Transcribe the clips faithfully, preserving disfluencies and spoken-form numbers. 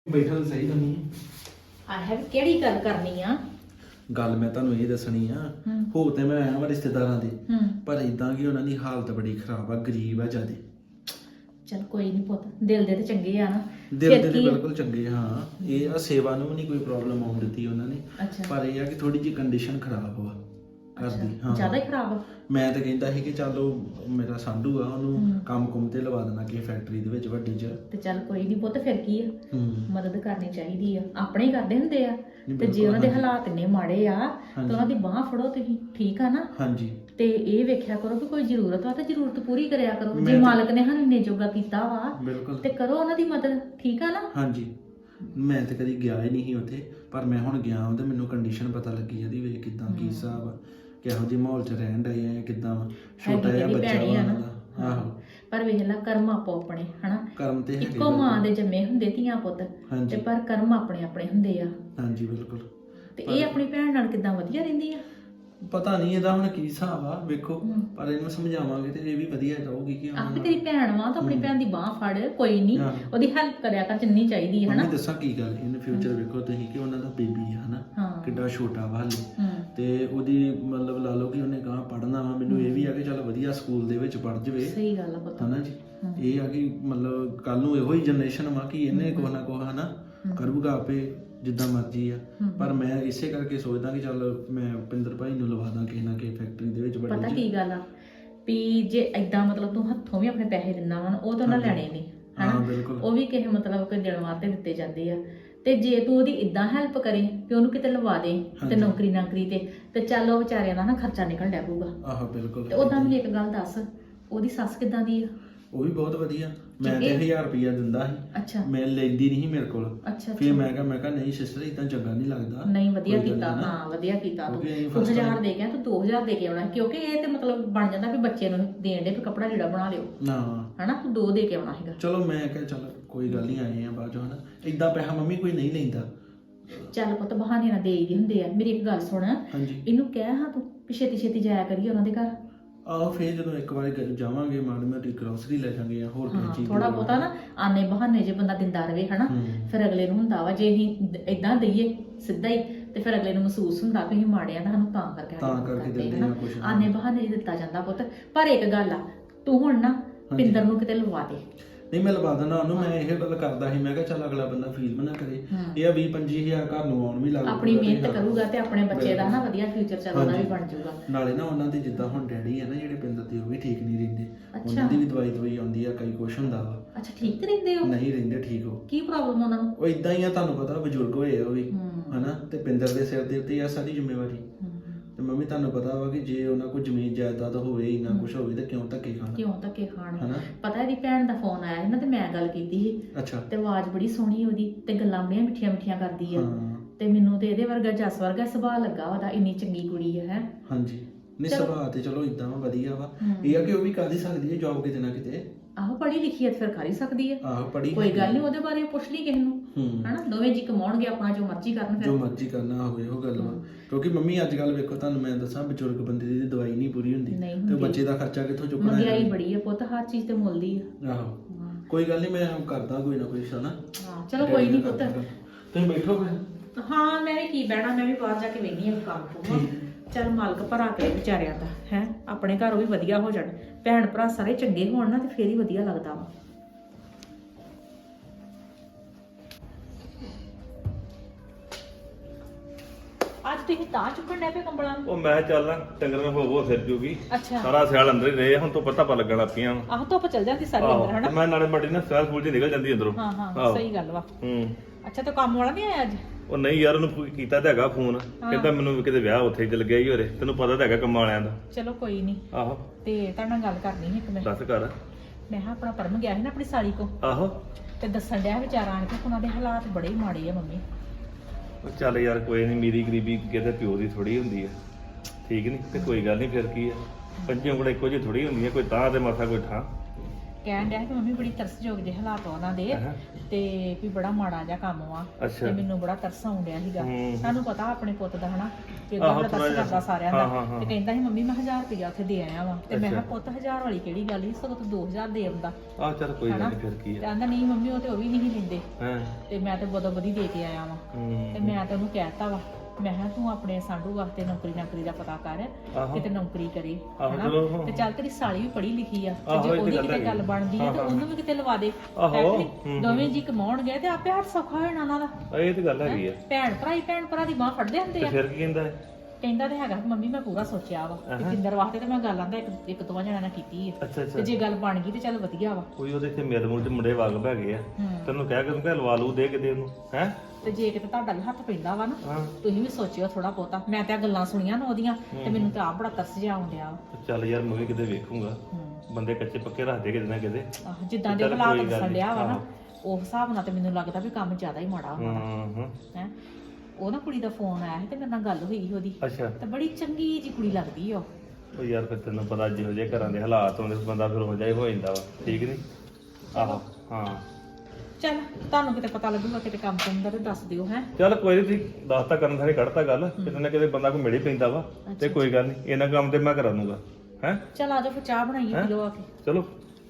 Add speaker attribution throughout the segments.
Speaker 1: ਬੈਠਾ ਸਹੀ ਨਹੀਂ
Speaker 2: ਆਹ ਕਿਹੜੀ ਗੱਲ ਕਰਨੀ ਆ?
Speaker 1: ਗੱਲ ਮੈਂ ਤੁਹਾਨੂੰ ਇਹ ਦੱਸਣੀ ਆ।
Speaker 2: ਹੂੰ।
Speaker 1: ਹੋ ਤੇ ਮੈਂ ਆਇਆ ਵਾ ਰਿਸ਼ਤੇਦਾਰਾਂ ਦੇ,
Speaker 2: ਹੂੰ।
Speaker 1: ਪਰ ਇਦਾਂ ਕਿ ਉਹਨਾਂ ਦੀ ਹਾਲਤ ਬੜੀ ਖਰਾਬ ਆ, ਗਰੀਬ ਆ ਜਿਆਦੇ।
Speaker 2: ਚਲ ਕੋਈ ਨਹੀਂ ਪੁੱਤ, ਦਿਲ ਦੇ ਤੇ ਚੰਗੇ ਆ ਨਾ।
Speaker 1: ਦਿਲ
Speaker 2: ਫਿਰ
Speaker 1: ਦੇ ਤੇ
Speaker 2: ਕੀ ਆ?
Speaker 1: ਬਿਲਕੁਲ ਚੰਗੇ, ਹਾਂ। ਇਹ ਆ ਸੇਵਾ ਨੂੰ ਵੀ ਨਹੀਂ ਕੋਈ ਪ੍ਰੋਬਲਮ ਆਉਣ ਦਿੱਤੀ ਉਹਨਾਂ ਨੇ,
Speaker 2: ਅੱਛਾ।
Speaker 1: ਪਰ ਇਹ ਆ ਕਿ ਥੋੜੀ ਜਿਹੀ ਕੰਡੀਸ਼ਨ ਖਰਾਬ ਵਾ ਘਰ ਦੀ। ਹਾਂ,
Speaker 2: ਜ਼ਿਆਦਾ ਹੀ ਖਰਾਬ ਆ।
Speaker 1: ਮੈਂ ਤਾਂ ਕਹਿੰਦਾ ਸੀ ਕਿ ਚੱਲ ਉਹ ਮੇਰਾ ਸਾਂਢੂ ਆ, ਉਹਨੂੰ
Speaker 2: ਹੂੰ।
Speaker 1: ਕੰਮ ਕੁੰਮ ਤੇ ਲਵਾ ਦੇਣਾ ਕਿ ਫੈਕਟਰੀ ਦੇ ਵਿੱਚ ਵੱਡੀ ਚ।
Speaker 2: ਤੇ ਚੱਲ ਕੋਈ ਨਹੀਂ ਪੁੱਤ, ਫਿਰ ਕੀ ਆ,
Speaker 1: ਹੂੰ।
Speaker 2: ਮਦਦ ਕਰਨੀ ਚਾਹੀਦੀ ਆ, ਆਪਣੇ ਹੀ ਕਰਦੇ ਹੁੰਦੇ ਆ। ਤੇ
Speaker 1: ਬਿਲਕੁਲ,
Speaker 2: ਜੇ ਉਹਨਾਂ ਦੇ
Speaker 1: ਹਾਂਜੀ।
Speaker 2: ਹਾਲਾਤ ਇੰਨੇ ਮਾੜੇ ਆ ਤਾਂ
Speaker 1: ਹਾਂਜੀ।
Speaker 2: ਉਹਨਾਂ ਦੀ ਬਾਹ ਫੜੋ ਤੁਸੀਂ, ਠੀਕ ਆ ਨਾ?
Speaker 1: ਹਾਂਜੀ।
Speaker 2: ਤੇ ਇਹ ਵੇਖਿਆ ਕਰੋ ਕਿ ਕੋਈ ਜ਼ਰੂਰਤ ਆ ਤਾਂ ਜ਼ਰੂਰਤ ਪੂਰੀ ਕਰਿਆ ਕਰੋ।
Speaker 1: ਮੈਂ
Speaker 2: ਜੇ
Speaker 1: ਤੇ-
Speaker 2: ਮਾਲਕ ਨੇ ਸਾਨੂੰ ਇੰਨੇ ਜੋਗਾ ਕੀਤਾ ਵਾ
Speaker 1: ਬਿਲਕੁਲ।
Speaker 2: ਤੇ ਕਰੋ ਉਹਨਾਂ ਦੀ ਮਦਦ, ਠੀਕ ਆ ਨਾ?
Speaker 1: ਹਾਂਜੀ। ਮੈਂ ਤੇ ਕਦੀ ਗਿਆ ਹੀ ਨਹੀਂ ਸੀ ਉੱਥੇ, ਪਰ ਮੈਂ ਹੁਣ ਗਿਆ ਹਾਂ ਤੇ ਮੈਨੂੰ ਕੰਡੀਸ਼ਨ ਪਤਾ ਲੱਗੀ ਇਹਦੀ ਵੇਖ ਕਿਦਾਂ ਕੀ ਹਿਸਾਬ ਆ, ਕਿਹੋ ਜਿਹੇ ਮਾਹੌਲ 'ਚ ਰਹਿਣ ਡਏ ਆ, ਕਿਦਾਂ ਵਾ। ਛੋਟਾ ਜਿਹਾ
Speaker 2: ਹੈਗੀ
Speaker 1: ਬੱਚਾ
Speaker 2: ਭੈਣੀ
Speaker 1: ਵਾ
Speaker 2: ਆ ਨਾ।
Speaker 1: ਉਹਨਾਂ ਦਾ। ਆਹੋ।
Speaker 2: ਪਰ ਵੇਖ ਲੈ, ਕਰਮ ਆਪੋ ਆਪਣੇ, ਹਨਾ?
Speaker 1: ਕਰਮ ਤੇ ਹੈਗੇ
Speaker 2: ਇੱਕੋ ਮਾਂ ਦੇ ਜੰਮੇ ਹੁੰਦੇ ਧੀਆਂ ਪੁੱਤ,
Speaker 1: ਹਾਂਜੀ।
Speaker 2: ਤੇ ਪਰ ਕਰਮ ਆਪਣੇ ਆਪਣੇ ਹੁੰਦੇ ਆ।
Speaker 1: ਹਾਂਜੀ ਬਿਲਕੁਲ।
Speaker 2: ਤੇ ਇਹ ਆਪਣੀ ਭੈਣ ਨਾਲ ਕਿਦਾਂ ਵਧੀਆ ਰਹਿੰਦੀ ਆ।
Speaker 1: ਪਤਾ ਨਹੀਂ ਇਹਦਾ ਹੁਣ ਕੀ ਹਿਸਾਬ ਆ, ਵੇਖੋ।
Speaker 2: ਹੂੰ।
Speaker 1: ਪਰ ਇਹਨੂੰ ਸਮਝਾਵਾਂਗੇ ਤੇ ਇਹ ਵੀ ਵਧੀਆ ਰਹੂਗੀ ਕਿ ਹਾਂ।
Speaker 2: ਆਪੇ ਤੇਰੀ ਭੈਣ ਵਾ ਤਾਂ ਆਪਣੀ ਭੈਣ ਦੀ ਬਾਹ ਫੜ, ਕੋਈ ਨਹੀਂ,
Speaker 1: ਹਾਂ।
Speaker 2: ਉਹਦੀ ਹੈਲਪ ਕਰਿਆ ਕਰ ਜਿੰਨੀ ਚਾਹੀਦੀ ਹੈ,
Speaker 1: ਮੰਮੀ
Speaker 2: ਹਨਾ?
Speaker 1: ਦੱਸਾਂ ਕੀ ਗੱਲ, ਇਹਨੇ ਫਿਊਚਰ ਵੇਖੋ ਤੁਸੀਂ ਕਿ ਉਹਨਾਂ ਦਾ ਬੇਬੀ ਆ, ਹਨਾ?
Speaker 2: ਹਾਂ।
Speaker 1: ਕਿੱਡਾ ਛੋਟਾ ਵਾ ਹਾਲੇ।
Speaker 2: ਹੂੰ।
Speaker 1: ਤੇ ਉਹਦੀ ਮਤਲਬ ਲਾ ਲਓ ਕਿ ਉਹਨੇ ਗਾਂ ਪੜ੍ਹਨਾ ਵਾ। ਮੈਨੂੰ ਇਹ ਵੀ ਆ ਕਿ ਚੱਲ ਵਧੀਆ ਸਕੂਲ ਦੇ ਵਿੱਚ ਪੜ੍ਹ ਜਵੇ,
Speaker 2: ਸਹੀ ਗੱਲ ਆ ਪੁੱਤ।
Speaker 1: ਹਨਾ ਜੀ? ਇਹ ਆ ਕਿ ਮਤਲਬ ਕੱਲ ਨੂੰ ਇਹੋ ਹੀ ਜਨਰੇਸ਼ਨ ਵਾ ਕਿ ਇਹਨੇ ਕੋਹ ਨਾ ਕੋਹ ਹਨਾ ਕਰੂਗਾ ਆਪੇ ਜਿੱਦਾਂ ਮਰਜ਼ੀ ਆ। ਪਰ ਮੈਂ ਇਸੇ ਕਰਕੇ ਸੋਚਦਾ ਕਿ ਚੱਲ ਮੈਂ ਪਿੰਦਰ ਭਾਈ ਨੂੰ ਲਵਾ ਦਾਂ ਕਿਸੇ ਨਾ ਕਿਸੇ ਫੈਕਟਰੀ ਦੇ ਵਿੱਚ
Speaker 2: ਪਤਾ
Speaker 1: ਵੱਡੀ
Speaker 2: ਕੀ ਗੱਲ ਆ ਵੀ ਜੇ ਏਦਾਂ ਮਤਲਬ ਤੂੰ ਹੱਥੋਂ ਵੀ ਆਪਣੇ ਪੈਸੇ ਦਿੰਦਾ ਵਾ, ਉਹ ਤਾਂ ਉਹਨਾਂ
Speaker 1: ਹਾਂਜੀ।
Speaker 2: ਲੈਣੇ ਨਹੀਂ,
Speaker 1: ਹਾਂ
Speaker 2: ਹਨਾ?
Speaker 1: ਬਿਲਕੁਲ।
Speaker 2: ਉਹ ਵੀ ਕਿਸੇ ਮਤਲਬ ਕੋਈ ਦਿਨ ਵਾਸਤੇ ਦਿੱਤੇ ਜਾਂਦੇ ਆ। ਤੇ ਜੇ ਤੂੰ ਉਹਦੀ ਇਦਾਂ ਹੈਲਪ ਕਰੇ ਕਿ ਉਹਨੂੰ ਕਿਤੇ ਲਵਾ ਦੇ ਤੇ
Speaker 1: ਹਾਂਜੀ।
Speaker 2: ਨੌਕਰੀ ਨਾਕਰੀ ਤੇ ਤੇ ਚੱਲ ਉਹ ਵਿਚਾਰਿਆਂ ਦਾ ਨਾ ਖਰਚਾ ਨਿਕਲ ਡਿਆ ਪਊਗਾ।
Speaker 1: ਆਹੋ ਬਿਲਕੁਲ।
Speaker 2: ਤੇ ਉਦਾਂ ਮੈਨੂੰ ਇੱਕ ਗੱਲ ਦੱਸ, ਉਹਦੀ ਸੱਸ ਕਿਦਾਂ ਦੀ ਆ?
Speaker 1: ਉਹ ਵੀ ਬਹੁਤ ਵਧੀਆ। ਮੈਂ ਤੇ
Speaker 2: ਚੰਗੇ?
Speaker 1: ਹਜ਼ਾਰ ਰੁਪਇਆ ਦਿੰਦਾ ਸੀ,
Speaker 2: ਅੱਛਾ
Speaker 1: ਮੈਂ ਲੈਂਦੀ ਨਹੀਂ ਸੀ ਮੇਰੇ ਕੋਲ।
Speaker 2: ਅੱਛਾ
Speaker 1: ਫਿਰ
Speaker 2: ਅੱਛਾ।
Speaker 1: ਮੈਂ ਕਿਹਾ ਮੈਂ ਕਿਹਾ ਨਹੀਂ ਸਿਸਟਰ ਇਦਾਂ ਚੰਗਾ ਨਹੀਂ ਲੱਗਦਾ।
Speaker 2: ਨਹੀਂ ਵਧੀਆ
Speaker 1: ਕੋਈ ਗੱਲ
Speaker 2: ਕੀਤਾ,
Speaker 1: ਨੀ ਨਾ।
Speaker 2: ਹਾਂ ਵਧੀਆ ਕੀਤਾ ਤੂੰ।
Speaker 1: ਕਿਉਂਕਿ ਅਸੀਂ
Speaker 2: ਤੂੰ
Speaker 1: first
Speaker 2: ਹਜ਼ਾਰ
Speaker 1: time-
Speaker 2: ਦੇ ਗਿਆ ਤੂੰ ਦੋ ਹਜ਼ਾਰ ਦੇ ਕੇ ਆਉਣਾ, ਕਿਉਂਕਿ ਇਹ ਤੇ ਮਤਲਬ ਬਣ ਜਾਂਦਾ ਵੀ ਬੱਚੇ ਨੂੰ ਦੇਣ ਦੇ ਵੀ ਕੱਪੜਾ ਜਿਹੜਾ ਬਣਾ ਲਿਓ,
Speaker 1: ਨਾ
Speaker 2: ਹਨਾ? ਤੂੰ ਦੋ ਦੇ ਕੇ ਆਉਣਾ ਹੈਗਾ।
Speaker 1: ਚਲੋ ਮੈਂ ਕਿਹਾ ਚੱਲ ਕੋਈ ਗੱਲ ਨਹੀਂ, ਆਏ ਆ ਬਾਅਦ ਚੋਂ, ਹਨਾ? ਇਦਾਂ ਪੈਸਾ ਮੰਮੀ ਕੋਈ ਨਹੀਂ ਲੈਂਦਾ।
Speaker 2: ਚੱਲ ਪੁੱਤ ਬਹਾਨੇ ਨਾਲ ਦੇ ਹੀ ਹੁੰਦੇ ਆ। ਮੇਰੀ ਇੱਕ ਗੱਲ ਸੁਣ,
Speaker 1: ਹਾਂਜੀ।
Speaker 2: ਇਹਨੂੰ ਕਹਿ ਹਾਂ ਤੂੰ ਵੀ ਛੇਤੀ ਛੇਤੀ ਜਾਇਆ ਕਰੀਏ ਉਹਨਾਂ ਦੇ ਘਰ।
Speaker 1: ਆਹੋ ਫੇਰ ਜਦੋਂ ਇੱਕ ਵਾਰੀ ਘਰ ਜਾਵਾਂਗੇ ਮਾੜੀ ਮੋਟੀ ਗਰੋਸਰੀ ਲੈ ਜਾਾਂਗੇ ਜਾਂ ਹੋਰ
Speaker 2: ਹਾਂ
Speaker 1: ਕੋਈ ਚੀਜ਼।
Speaker 2: ਥੋੜਾ ਬਹੁਤਾ ਨਾ ਆਨੇ ਬਹਾਨੇ ਜੇ ਬੰਦਾ ਦਿੰਦਾ ਰਵੇ, ਹਨਾ?
Speaker 1: ਹੂੰ।
Speaker 2: ਫਿਰ ਅਗਲੇ ਨੂੰ ਹੁੰਦਾ ਵਾ ਜੇ ਅਸੀਂ ਇਦਾਂ ਦਈਏ ਸਿੱਧਾ ਹੀ ਤੇ ਫਿਰ ਅਗਲੇ ਨੂੰ ਮਹਿਸੂਸ ਹੁੰਦਾ ਵੀ ਅਸੀਂ ਮਾੜਿਆਂ ਦਾ ਸਾਨੂੰ ਤਾਂ ਕਰਕੇ
Speaker 1: ਤਾਂ
Speaker 2: ਸਾਡੇ ਕੋਲ
Speaker 1: ਕਰਕੇ
Speaker 2: ਕਰਦੇ,
Speaker 1: ਦਿੰਦੇ ਆ
Speaker 2: ਹਨਾ?
Speaker 1: ਕੁਛ।
Speaker 2: ਆਨੇ ਬਹਾਨੇ ਜੇ ਦਿੱਤਾ ਜਾਂਦਾ ਪੁੱਤ। ਪਰ ਇੱਕ ਗੱਲ ਆ, ਤੂੰ ਹੁਣ ਨਾ
Speaker 1: ਹਾਂਜੀ।
Speaker 2: ਪਿੰਦਰ ਨੂੰ ਕਿਤੇ ਲਵਾ ਦੇ।
Speaker 1: ਨਹੀਂ ਮੈਂ ਲਵਾ ਦਿੰਦਾ ਉਹਨੂੰ। ਮੈਂ ਇਹ ਗੱਲ ਕਰਦਾ ਸੀ, ਮੈਂ ਕਿਹਾ ਚੱਲ ਅਗਲਾ ਬੰਦਾ ਫੀਲ ਨਾ ਕਰੇ। ਇਹ ਆ ਵੀਹ ਪੰਜੀ ਹਜ਼ਾਰ ਘਰ ਨੂੰ ਆਉਣ ਵੀ ਲੱਗ
Speaker 2: ਆਪਣੀ
Speaker 1: ਪਊਗਾ ਤੇ
Speaker 2: ਮਿਹਨਤ
Speaker 1: ਹਾਂ।
Speaker 2: ਕਰੂਗਾ ਤੇ ਆਪਣੇ ਬੱਚੇ ਦਾ ਨਾ ਵਧੀਆ ਫਿਊਚਰ ਚੱਲਦਾ ਵੀ
Speaker 1: ਹਾਂਜੀ।
Speaker 2: ਬਣ ਜਾਊਗਾ।
Speaker 1: ਨਾਲੇ ਨਾ ਉਹਨਾਂ ਦੀ ਜਿੱਦਾਂ ਹੁਣ ਡੈਡੀ ਆ ਨਾ ਜਿਹੜੇ ਪਿੰਦਰ ਦੇ, ਉਹ ਵੀ ਠੀਕ ਨਹੀਂ ਰਹਿੰਦੇ।
Speaker 2: ਅੱਛਾ।
Speaker 1: ਉਹਨਾਂ ਦੀ ਵੀ ਦਵਾਈ ਦਵਾਈ ਆਉਂਦੀ ਆ, ਕਈ ਕੁਛ ਹੁੰਦਾ ਵਾ।
Speaker 2: ਅੱਛਾ ਠੀਕ ਤੇ ਰਹਿੰਦੇ ਹੋ?
Speaker 1: ਨਹੀਂ ਰਹਿੰਦੇ ਠੀਕ ਹੋ।
Speaker 2: ਕੀ ਪ੍ਰੋਬਲਮ ਉਹਨਾਂ ਨੂੰ?
Speaker 1: ਉਹ ਇਦਾਂ ਹੀ ਆ, ਤੁਹਾਨੂੰ ਪਤਾ ਬਜ਼ੁਰਗ ਹੋਏ ਆ ਉਹ ਵੀ,
Speaker 2: ਹੂੰ।
Speaker 1: ਹਨਾ? ਤੇ ਪਿੰਦਰ ਦੇ ਸਿਰ ਦੇ ਉੱਤੇ ਆ ਸਾਰੀ ਜ਼ਿੰਮੇਵਾਰੀ।
Speaker 2: ਹੂੰ।
Speaker 1: ਤੇ ਮੰਮੀ ਤੁਹਾਨੂੰ ਪਤਾ ਵਾ ਕਿ ਜੇ ਉਹਨਾਂ ਕੋਲ ਜ਼ਮੀਨ ਜਾਇਦਾਦ ਹੋਵੇ, ਇੰਨਾ ਕੁਝ ਹੋਵੇ ਤੇ ਕਿਉਂ ਧੱਕੇ ਖਾਣਾ,
Speaker 2: ਕਿਉਂ ਧੱਕੇ ਖਾਣ?
Speaker 1: ਹਨਾ?
Speaker 2: ਪਤਾ ਇਹਦੀ ਭੈਣ ਦਾ ਫੋਨ ਆਇਆ ਸੀ ਨਾ ਤੇ ਮੈਂ ਗੱਲ ਕੀਤੀ ਸੀ
Speaker 1: ਅੱਛਾ।
Speaker 2: ਤੇ ਆਵਾਜ਼ ਬੜੀ ਸੋਹਣੀ ਉਹਦੀ ਤੇ ਗੱਲਾਂ ਬੜੀਆਂ ਮਿੱਠੀਆਂ ਮਿੱਠੀਆਂ ਕਰਦੀ ਆ।
Speaker 1: ਹਾਂ।
Speaker 2: ਤੇ ਮੈਨੂੰ ਤੇ ਇਹਦੇ ਵਰਗਾ ਜਸ ਵਰਗਾ ਸੁਭਾਅ ਲੱਗਾ ਉਹਦਾ, ਇੰਨੀ ਚੰਗੀ ਕੁੜੀ ਹੈ। ਹੈ
Speaker 1: ਹਾਂਜੀ। ਨਹੀਂ
Speaker 2: ਚਲੋ।
Speaker 1: ਸੁਭਾਅ ਤੇ ਚਲੋ ਇਦਾਂ ਵਾ, ਵਧੀਆ ਵਾ।
Speaker 2: ਹੂੰ।
Speaker 1: ਇਹ ਆ ਕਿ ਉਹ ਵੀ ਕਰ ਹੀ ਸਕਦੀ ਹੈ ਜੌਬ ਕਿਤੇ ਨਾ ਕਿਤੇ।
Speaker 2: ਆਹੋ ਪੜ੍ਹੀ ਲਿਖੀ ਹੈ ਤੇ ਫਿਰ ਕਰ ਹੀ ਸਕਦੀ ਹੈ।
Speaker 1: ਆਹੋ ਪੜ੍ਹੀ
Speaker 2: ਕੋਈ
Speaker 1: ਹੈਗੀ
Speaker 2: ਗੱਲ
Speaker 1: ਆ।
Speaker 2: ਨਹੀਂ, ਉਹਦੇ ਬਾਰੇ ਪੁੱਛ ਲਈ ਕਿਸੇ ਨੂੰ,
Speaker 1: ਹੂੰ।
Speaker 2: ਹਨਾ? ਦੋਵੇਂ ਜੀ ਕਮਾਉਣਗੇ ਆਪਣਾ, ਜੋ ਮਰਜ਼ੀ ਕਰਨ
Speaker 1: ਜੋ
Speaker 2: ਫਿਰ।
Speaker 1: ਮਰਜ਼ੀ ਕਰਨਾ ਹੋਵੇ ਉਹ ਗੱਲ ਵਾ। ਕਿਉਂਕਿ ਮੰਮੀ ਅੱਜ ਕੱਲ ਵੇਖੋ ਤੁਹਾਨੂੰ ਮੈਂ ਦੱਸਾਂ, ਬਜ਼ੁਰਗ ਬੰਦੇ ਦੀ ਦਵਾਈ ਨਹੀਂ ਪੂਰੀ ਹੁੰਦੀ
Speaker 2: ਨਹੀਂ
Speaker 1: ਤੇ
Speaker 2: ਹੁੰਦੀ।
Speaker 1: ਬੱਚੇ ਦਾ ਖਰਚਾ ਕਿੱਥੋਂ ਚੁੱਕਣਾ ਹੈ?
Speaker 2: ਮਹਿੰਗਾਈ ਬੜੀ ਹੈ ਪੁੱਤ, ਹਰ ਚੀਜ਼ ਤੇ ਮੁੱਲ ਦੀ ਆ।
Speaker 1: ਆਹੋ
Speaker 2: ਹਾਂ।
Speaker 1: ਕੋਈ ਗੱਲ ਨਹੀਂ, ਮੈਂ ਕਰਦਾ ਕੋਈ ਨਾ ਕੋਈ ਹਨਾ।
Speaker 2: ਹਾਂ ਚਲੋ ਕੋਈ ਨਹੀਂ ਪੁੱਤ।
Speaker 1: ਤੁਸੀਂ ਬੈਠੋ ਫਿਰ।
Speaker 2: ਹਾਂ ਮੈਂ ਵੀ ਕੀ ਬਹਿਣਾ, ਮੈਂ ਵੀ ਬਾਹਰ ਜਾ ਕੇ ਵੇਖਣੀ ਆ ਕੰਮ ਕੁਮ। ਚੱਲ ਮਾਲਕ ਭਰਾ ਕਰੇ ਵਿਚਾਰਿਆਂ ਦਾ, ਹੈ ਆਪਣੇ ਘਰ ਉਹ ਵੀ ਵਧੀਆ ਹੋ ਜਾਣ, ਭੈਣ ਭਰਾ ਸਾਰੇ ਚੰਗੇ ਹੋਣ ਨਾ ਤੇ ਫੇਰ ਹੀ ਵਧੀਆ ਲੱਗਦਾ ਵਾ। ਅੱਜ ਤੁਸੀਂ ਤਾਂ ਚੁੱਕਣ ਡੈ ਪਏ ਕੰਬਲਾਂ ਨੂੰ?
Speaker 3: ਉਹ ਮੈਂ ਚੱਲ ਡੰਗਰ ਨੂੰ ਹੋਵੋ ਫਿਰ ਜੂਗੀ।
Speaker 2: ਅੱਛਾ।
Speaker 3: ਸਾਰਾ ਸਿਆਲ ਅੰਦਰ ਹੀ ਰਹੇ, ਹੁਣ ਤੋਂ ਪਤਾ ਪਾ ਲੱਗਣ ਲੱਗ ਪਈਆਂ।
Speaker 2: ਆਹੋ ਧੁੱਪ ਚਲ ਜਾਂਦੀ ਸਾਰੀ ਅੰਦਰ,
Speaker 3: ਆਹੋ,
Speaker 2: ਹਨਾ?
Speaker 3: ਤੇ ਮੈਂ ਨਾਲੇ ਮੜੀ ਨਾ ਸਿਆਲ ਫੂਲ ਜੀ ਨਿਕਲ ਜਾਂਦੀ ਅੰਦਰੋਂ।
Speaker 2: ਹਾਂ ਹਾਂ
Speaker 3: ਆਹੋ।
Speaker 2: ਸਹੀ ਗੱਲ ਵਾ।
Speaker 3: ਹੂੰ।
Speaker 2: ਅੱਛਾ ਤੇ ਕੰਮ ਵਾਲਾ ਨਹੀਂ ਆਇਆ ਅੱਜ?
Speaker 3: ਉਹ ਨਹੀਂ ਯਾਰ, ਉਹਨੂੰ ਫੋ- ਕੀਤਾ ਤਾਂ ਹੈਗਾ ਫੋਨ, ਕਹਿੰਦਾ ਮੈਨੂੰ ਕਿਤੇ ਵਿਆਹ ਉੱਥੇ ਚੱਲ ਗਿਆ ਹੀ ਹੋਰੇ, ਤੈਨੂੰ ਪਤਾ ਤਾਂ ਹੈਗਾ ਕੰਮਾਂ ਵਾਲਿਆਂ ਦਾ।
Speaker 2: ਚਲੋ ਕੋਈ ਨਹੀਂ।
Speaker 3: ਆਹੋ
Speaker 2: ਤੇ ਤੁਹਾਡੇ ਨਾਲ ਗੱਲ ਕਰਨੀ ਸੀ ਇੱਕ ਮੈਂ।
Speaker 3: ਦੱਸ ਕਰ।
Speaker 2: ਮੈਂ ਕਿਹਾ ਆਪਣਾ ਪਰਮ ਗਿਆ ਸੀ ਨਾ ਆਪਣੀ ਸਾਲੀ ਕੋ,
Speaker 3: ਆਹੋ
Speaker 2: ਤੇ ਦੱਸਣ ਡਿਆ ਵਿਚਾਰਾ ਆਣ ਕੇ ਕਿ ਉਹਨਾਂ ਦੇ ਹਾਲਾਤ ਬੜੇ ਹੀ ਮਾੜੇ ਆ ਮੰਮੀ।
Speaker 3: ਉਹ ਚੱਲ ਯਾਰ ਕੋਈ ਨਹੀਂ, ਮੇਰੀ ਗਰੀਬੀ ਕਿਤੇ ਪਿਓ ਦੀ ਥੋੜੀ ਹੁੰਦੀ ਆ, ਠੀਕ ਨਹੀਂ? ਤੇ ਕੋਈ ਗੱਲ ਨਹੀਂ, ਫਿਰ ਕੀ ਆ, ਪੰਜੇ ਉਂਗਲਾਂ ਇੱਕੋ ਜਿਹੀ ਥੋੜੀ ਹੁੰਦੀਆਂ, ਕੋਈ ਤਾਂ ਤੇ ਮਾਸਾ ਕੋਈ ਠਾਂ।
Speaker 2: ਕਹਿਣ ਡਿਆ ਕਿ ਮੰਮੀ ਬੜੀ ਤਰਸਯੋਗ ਜਿਹੇ ਹਾਲਾਤ ਆ ਉਹਨਾਂ ਦੇ,
Speaker 3: ਅਹਾਂ।
Speaker 2: ਤੇ ਵੀ ਬੜਾ ਮਾੜਾ ਜਿਹਾ ਕੰਮ ਵਾ।
Speaker 3: ਅੱਛਾ।
Speaker 2: ਤੇ ਮੈਨੂੰ ਬੜਾ ਤਰਸ ਆਉਣ ਡਿਆ ਸੀਗਾ।
Speaker 3: ਹੂੰ।
Speaker 2: ਤੁਹਾਨੂੰ ਪਤਾ ਆਪਣੇ ਪੁੱਤ ਦਾ, ਹਨਾ? ਤੇ
Speaker 3: ਆਹੋ,
Speaker 2: ਉਹਦਾ
Speaker 3: ਥੋੜ੍ਹਾ
Speaker 2: ਦੱਸ
Speaker 3: ਜਿਹਾ।
Speaker 2: ਕਰਦਾ ਸਾਰਿਆਂ
Speaker 3: ਹਾਂ, ਹਾਂ,
Speaker 2: ਦਾ
Speaker 3: ਹਾਂ।
Speaker 2: ਤੇ ਕਹਿੰਦਾ ਸੀ ਮੰਮੀ ਮੈਂ ਹਜ਼ਾਰ ਰੁਪਇਆ ਉੱਥੇ ਦੇ ਆਇਆ ਵਾਂ ਤੇ ਮੈਂ ਕਿਹਾ
Speaker 3: ਅੱਛਾ।
Speaker 2: ਪੁੱਤ ਹਜ਼ਾਰ ਵਾਲੀ ਕਿਹੜੀ ਗੱਲ ਸੀ ਸਗੋਂ ਤੂੰ ਦੋ ਹਜ਼ਾਰ ਦੇ ਆਉਂਦਾ
Speaker 3: ਆਹ ਚੱਲ ਕੋਈ ਗੱਲ
Speaker 2: ਹਨਾ?
Speaker 3: ਨਹੀਂ ਫਿਰ ਕੀ
Speaker 2: ਤੇ
Speaker 3: ਆ।
Speaker 2: ਆਂਦਾ ਨਹੀਂ ਮੰਮੀ ਉਹ ਤੇ ਉਹ ਵੀ ਨਹੀਂ ਲੈਂਦੇ
Speaker 3: ਹਾਂ
Speaker 2: ਤੇ ਮੈਂ ਤੇ ਬਦੋ ਬਦੀ ਦੇ ਕੇ ਆਇਆ ਵਾਂ ਤੇ
Speaker 3: ਹੂੰ
Speaker 2: ਮੈਂ ਤੇ ਉਹਨੂੰ ਕਹਿਤਾ ਵਾ ਮੈਂ ਕਿਹਾ ਤੂੰ ਆਪਣੇ ਸਾਂਢੂ ਵਾਸਤੇ ਨੌਕਰੀ ਨਾਕਰੀ ਦਾ ਪਤਾ ਕਰ
Speaker 3: ਆਹੋ।
Speaker 2: ਕਿਤੇ ਨੌਕਰੀ ਕਰੇ
Speaker 3: ਆਹੋ,
Speaker 2: ਹਨਾ
Speaker 3: ਚਲੋ, ਹਾਂ।
Speaker 2: ਤੇ ਚੱਲ ਤੇਰੀ ਸਾਲੀ ਵੀ ਪੜ੍ਹੀ ਲਿਖੀ ਆ ਤੇ
Speaker 3: ਆਹੋ,
Speaker 2: ਜੇ
Speaker 3: ਇਹ ਤੇ
Speaker 2: ਉਹਦੀ
Speaker 3: ਗੱਲ
Speaker 2: ਕਿਤੇ ਗੱਲ
Speaker 3: ਹੈਗੀ।
Speaker 2: ਬਣਦੀ ਆ
Speaker 3: ਹਾਂ,
Speaker 2: ਤੇ
Speaker 3: ਹਾਂ।
Speaker 2: ਉਹਨੂੰ ਵੀ ਕਿਤੇ ਲਵਾ ਦੇ
Speaker 3: ਆਹੋ,
Speaker 2: ਹੈ ਕਿ ਨਹੀਂ?
Speaker 3: ਹੂੰ,
Speaker 2: ਦੋਵੇਂ ਜੀ ਕਮਾਉਣਗੇ ਤੇ ਆਪੇ ਹੱਥ ਸੌਖਾ ਹੋ ਜਾਣਾ ਉਹਨਾਂ ਦਾ
Speaker 3: ਇਹ ਤੇ ਗੱਲ ਹੈਗੀ ਆ।
Speaker 2: ਭੈਣ ਭਰਾ ਹੀ ਭੈਣ ਭਰਾ ਦੀ ਬਾਹ ਫੜਦੇ ਹੁੰਦੇ
Speaker 3: ਤੇ
Speaker 2: ਆ
Speaker 3: ਫਿਰ ਕੀ ਕਹਿੰਦਾ ਹੈ?
Speaker 2: ਕਹਿੰਦਾ ਤੇ ਹੈਗਾ ਵੀ ਮੰਮੀ ਮੈਂ ਪੂਰਾ ਸੋਚਿਆ ਵਾ ਤੇ ਜਿੰਦਰ ਵਾਸਤੇ ਤੇ ਮੈਂ ਗੱਲ ਆਂਦਾ ਇੱਕ ਇੱਕ ਦੋ ਜਣਿਆਂ ਨਾਲ ਕੀਤੀ ਹੈ
Speaker 3: ਅੱਛਾ
Speaker 2: ਤੇ
Speaker 3: ਅੱਛਾ
Speaker 2: ਜੇ ਗੱਲ ਬਣ ਗਈ ਤੇ ਚੱਲ ਵਧੀਆ ਵਾ
Speaker 3: ਕੋਈ ਉਹਦੇ ਇੱਥੇ ਮਿਲ ਮੁਲ ਚ ਮੁੰਡੇ ਵਾਗਬ ਹੈਗੇ ਆ
Speaker 2: ਹੂੰ
Speaker 3: ਤੈਨੂੰ ਕਹਿ ਕੇ ਲਵਾ ਲੂ ਦੇ ਕਿਤੇ ਉਹਨੂੰ ਹੈ
Speaker 2: ਤੇ ਜੇ ਕਿਤੇ ਤੁਹਾਡਾ ਵੀ ਹੱਥ ਪੈਂਦਾ ਵਾ ਨਾ
Speaker 3: ਹਾਂ
Speaker 2: ਤੁਸੀਂ ਵੀ ਸੋਚਿਓ ਥੋੜਾ ਬਹੁਤਾ ਮੈਂ ਤਾਂ ਆਹ ਗੱਲਾਂ ਸੁਣੀਆਂ ਨਾ ਉਹਦੀਆਂ ਤੇ ਮੈਨੂੰ ਤਾਂ ਆਪ ਬੜਾ ਤਰਸ ਜਿਹਾ ਆਉਂਦਿਆ ਵਾ
Speaker 3: ਚੱਲ ਯਾਰ ਮੈਂ ਵੀ ਕਿਤੇ ਵੇਖੂੰਗਾ
Speaker 2: ਹੂੰ
Speaker 3: ਬੰਦੇ ਕੱਚੇ ਪੱਕੇ ਰੱਖਦੇ ਕਿਤੇ ਨਾ ਕਿਤੇ
Speaker 2: ਆਹ ਜਿੱਦਾਂ ਦੇ
Speaker 3: ਚੱਲ
Speaker 2: ਹਾਲਾਤ
Speaker 3: ਕੋਈ ਗੱਲ
Speaker 2: ਦੱਸਣ
Speaker 3: ਨੀ,
Speaker 2: ਡਿਆ ਵਾ ਨਾ
Speaker 3: ਆਹੋ।
Speaker 2: ਉਸ ਹਿਸਾਬ ਨਾਲ ਤੇ ਮੈਨੂੰ ਲੱਗਦਾ ਵੀ ਕੰਮ ਜ਼ਿਆਦਾ ਹੀ ਮਾੜਾ
Speaker 3: ਹੂੰ
Speaker 2: ਹੋਣਾ
Speaker 3: ਹੂੰ
Speaker 2: ਹੈ ਉਹ ਨਾ ਕੁੜੀ ਦਾ ਫੋਨ ਆਇਆ ਸੀ ਤੇ ਮੇਰੇ ਨਾਲ ਗੱਲ ਹੋਈ ਸੀ ਉਹਦੀ
Speaker 3: ਅੱਛਾ
Speaker 2: ਤੇ ਬੜੀ ਚੰਗੀ ਜੀ ਕੁੜੀ ਲੱਗਦੀ ਆ ਉਹ
Speaker 3: ਉਹ ਯਾਰ ਫਿਰ ਤੈਨੂੰ ਪਤਾ ਜਿਹੋ ਜਿਹੇ ਘਰਾਂ ਦੇ ਹਾਲਾਤ ਹੁੰਦੇ ਬੰਦਾ ਫਿਰ ਹੋ ਜਾਏ ਹੋ ਜਾਂਦਾ ਵਾ ਠੀਕ ਨਹੀਂ ਆਹੋ ਹਾਂ
Speaker 2: ਚੱਲ ਤੁਹਾਨੂੰ ਕਿਤੇ ਪਤਾ ਲੱਗੂਗਾ ਕਿਤੇ ਕੰਮ ਕਰਨ ਦਾ ਤੇ ਦੱਸ ਦਿਓ ਹੈ
Speaker 3: ਚੱਲ ਕੋਈ ਨਹੀਂ ਤੁਸੀਂ ਦੱਸਤਾ ਕਰਨ ਸਾਰੇ ਕੱਢਤਾ ਗੱਲ ਕਿਤੇ ਨਾ ਕਿਤੇ ਬੰਦਾ ਕੋਈ ਮਿਲ ਹੀ ਪੈਂਦਾ ਵਾ ਤੇ ਕੋਈ ਗੱਲ ਨਹੀਂ ਇਹਨਾਂ ਕੰਮ ਤੇ ਮੈਂ ਕਰਾ ਦੂੰਗਾ ਹੈ
Speaker 2: ਚੱਲ ਆ ਜਾਓ ਫਿਰ ਚਾਹ ਬਣਾਈਏ ਪੀ ਲਓ ਆ ਕੇ
Speaker 3: ਚਲੋ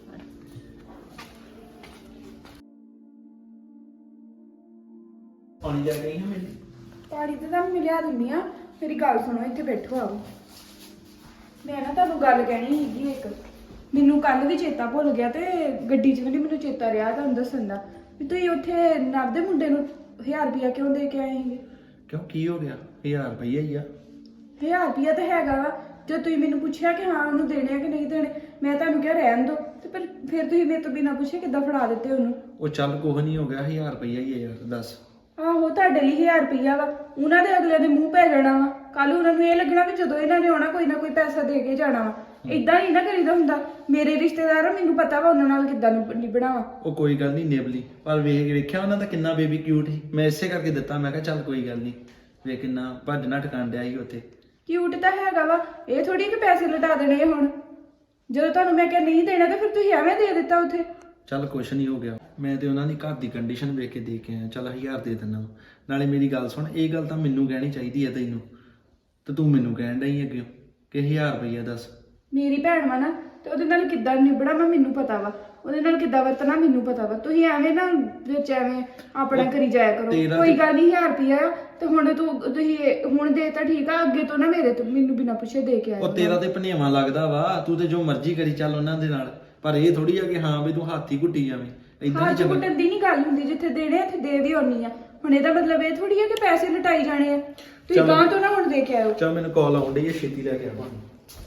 Speaker 1: ਪਾਣੀ ਜਾ ਗਈ ਹਾਂ ਮੇਰੀ
Speaker 4: ਪਾਣੀ ਤੇ ਤੁਹਾਨੂੰ ਮੈਂ ਲਿਆ ਦਿੰਦੀ ਆ ਮੇਰੀ ਗੱਲ ਸੁਣੋ ਇੱਥੇ ਬੈਠੋ ਆਓ ਮੈਂ ਨਾ ਤੁਹਾਨੂੰ ਗੱਲ ਕਹਿਣੀ ਸੀਗੀ ਇੱਕ ਮੈਨੂੰ ਕੱਲ ਵੀ ਚੇਤਾ ਭੁੱਲ ਗਿਆ ਤੇ ਗੱਡੀ 'ਚ ਵੀ ਮੈਨੂੰ ਚੇਤਾ ਰਿਹਾ ਤੁਹਾਨੂੰ ਦੱਸਣ ਦਾ ਵੀ ਤੁਸੀਂ ਉੱਥੇ ਨਵ ਦੇ ਮੁੰਡੇ ਨੂੰ ਹਜ਼ਾਰ ਰੁਪਇਆ ਕਿਉਂ ਦੇ ਕੇ ਆਏ ਸੀਗੇ
Speaker 1: ਕਿਉਂ ਕੀ ਹੋ ਗਿਆ ਹਜ਼ਾਰ ਰੁਪਈਆ ਹੀ ਆ
Speaker 4: ਹਜ਼ਾਰ ਰੁਪਇਆ ਤਾਂ ਹੈਗਾ ਵਾ ਜੇ ਤੁਸੀਂ ਮੈਨੂੰ ਪੁੱਛਿਆ ਕਿ ਹਾਂ ਉਹਨੂੰ ਦੇਣੇ ਆ ਕਿ ਨਹੀਂ ਦੇਣੇ ਮੈਂ ਤੁਹਾਨੂੰ ਕਿਹਾ ਰਹਿਣ ਦਿਓ ਤੇ ਪਰ ਫਿਰ ਤੁਸੀਂ ਮੇਰੇ ਤੋਂ ਬਿਨਾਂ ਪੁੱਛੇ ਕਿੱਦਾਂ ਫੜਾ ਦਿੱਤੇ ਉਹਨੂੰ
Speaker 1: ਉਹ ਚੱਲ ਕੁਛ ਨਹੀਂ ਹੋ ਗਿਆ ਹਜ਼ਾਰ ਰੁਪਈਆ ਹੀ ਆ ਯਾਰ ਦੱਸ
Speaker 4: ਆਹੋ ਤੁਹਾਡੇ ਲਈ ਹਜ਼ਾਰ ਰੁਪਈਆ ਵਾ ਉਹਨਾਂ ਦੇ ਅਗਲੇ ਦੇ ਮੂੰਹ ਪੈ ਜਾਣਾ ਵਾ ਕੱਲ ਉਹਨਾਂ ਨੂੰ ਇਹ ਲੱਗਣਾ ਵੀ ਜਦੋਂ ਇਹਨਾਂ ਨੇ ਆਉਣਾ ਕੋਈ ਨਾ ਕੋਈ ਪੈਸਾ ਦੇ ਕੇ ਜਾਣਾ ਵਾ ਇਦਾਂ ਨਹੀਂ ਨਾ ਕਰੀਦਾ ਹੁੰਦਾ ਮੇਰੇ ਰਿਸ਼ਤੇਦਾਰ ਆ ਮੈਨੂੰ ਪਤਾ ਵਾ ਉਹਨਾਂ ਨਾਲ ਕਿੱਦਾਂ ਨਿਭਣਾ ਵਾ
Speaker 1: ਉਹ ਕੋਈ ਗੱਲ ਨਹੀਂ ਨਿਬਲੀ ਪਰ ਵੇਖ ਵੇਖਿਆ ਉਹਨਾਂ ਦਾ ਕਿੰਨਾ ਬੇਬੀ ਕਿਊਟ ਸੀ ਮੈਂ ਇਸੇ ਕਰਕੇ ਦਿੱਤਾ ਮੈਂ ਕਿਹਾ ਚੱਲ ਕੋਈ ਗੱਲ ਨਹੀਂ ਵੇ ਕਿੰਨਾ ਭੱਜਣਾ ਟਕਾਣ ਡਿਆ ਸੀ ਉੱਥੇ
Speaker 4: ਕਿਊਟ ਤਾਂ ਹੈਗਾ ਵਾ ਇਹ ਥੋੜੀ ਕਿ ਪੈਸੇ ਲਟਾ ਦੇਣੇ ਆ ਹੁਣ ਜਦੋਂ ਤੁਹਾਨੂੰ ਮੈਂ ਕਿਹਾ ਨਹੀਂ ਦੇਣਾ ਤਾਂ ਫਿਰ ਤੁਸੀਂ ਐਵੇਂ ਦੇ ਦਿੱਤਾ ਉੱਥੇ
Speaker 1: ਚੱਲ ਕੁਛ ਨਹੀਂ ਹੋ ਗਿਆ ਮੈਂ ਤੇ ਉਹਨਾਂ ਦੀ ਘਰ ਦੀ ਕੰਡੀਸ਼ਨ ਵੇਖ ਕੇ ਦੇ ਕੇ ਆਇਆ ਚੱਲ ਹਜ਼ਾਰ ਦੇ ਦਿੰਦਾ ਨਾਲੇ ਮੇਰੀ ਗੱਲ ਸੁਣ ਇਹ ਗੱਲ ਤਾਂ ਮੈਨੂੰ ਕਹਿਣੀ ਚਾਹੀਦੀ ਹੈ ਤੈਨੂੰ ਤੇ ਤੂੰ ਮੈਨੂੰ ਕਹਿਣ ਡਈ ਅੱਗੇ ਕਿ ਹਜ਼ਾਰ ਰੁਪਈਆ ਦੱਸ
Speaker 4: ਮੇਰੀ ਭੈਣ ਵਾ ਨਾ ਤੇ ਉਹਦੇ ਨਾਲ ਕਿੱਦਾਂ ਨਿਭਣਾ ਵਾ ਮੈਨੂੰ ਪਤਾ ਵਾ ਉਹਦੇ ਨਾਲ ਕਿੱਦਾਂ ਵਰਤਣਾ ਮੈਨੂੰ ਪਤਾ ਵਾ ਤੁਸੀਂ ਐਵੇਂ ਨਾ ਵਿੱਚ ਐਵੇਂ ਆਪਣਾ ਕਰੀ ਜਾਇਆ ਕਰੋ
Speaker 1: ਤੇਰਾ
Speaker 4: ਕੋਈ
Speaker 1: ਤੇ-
Speaker 4: ਗੱਲ ਨਹੀਂ ਹਜ਼ਾਰ ਰੁਪਈਆ ਆ ਤੇ ਹੁਣ ਤੂੰ ਤੁਸੀਂ ਹੁਣ ਦੇ ਤਾਂ ਠੀਕ ਆ ਅੱਗੇ ਤੋਂ ਨਾ ਮੇਰੇ ਤੋਂ ਮੈਨੂੰ ਬਿਨਾਂ ਪੁੱਛੇ ਦੇ ਕੇ ਆਇਆ
Speaker 1: ਉਹ ਤੇਰਾ ਤੇ ਭਨੇਵਾ ਲੱਗਦਾ ਵਾ ਤੂੰ ਤੇ ਜੋ ਮਰਜ਼ੀ ਕਰੀ ਚੱਲ ਉਹਨਾਂ ਦੇ ਨਾਲ ਪਰ ਇਹ ਥੋੜੀ ਆ ਕਿ ਹਾਂ ਵੀ ਤੂੰ ਹੱਥ ਹੀ ਘੁੱਟੀ ਜਾਵੇਂ ਇਦਾਂ
Speaker 4: ਹਾਂ
Speaker 1: ਨਹੀਂ ਚੰਗਾ
Speaker 4: ਚੁੱਟਣ ਦੀ ਨਹੀਂ ਗੱਲ ਹੁੰਦੀ ਜਿੱਥੇ ਦੇਣੇ ਆ ਉੱਥੇ ਦੇ ਵੀ ਆਉਣੀ ਆ ਹੁਣ ਇਹਦਾ ਮਤਲਬ ਇਹ ਥੋੜੀ ਆ ਕਿ ਪੈਸੇ ਲਟਾਈ ਜਾਣੇ ਆ ਤੁਸੀਂ
Speaker 1: ਚਲੋ।
Speaker 4: ਗਾਂ ਤੋਂ ਨਾ ਹੁਣ ਦੇ ਕੇ ਆਇਓ
Speaker 1: ਚੱਲ ਮੈਨੂੰ ਕਾਲ ਆਉਣ ਡਈ ਹੈ ਛੇਤੀ ਲੈ ਕੇ ਆਵਾਂ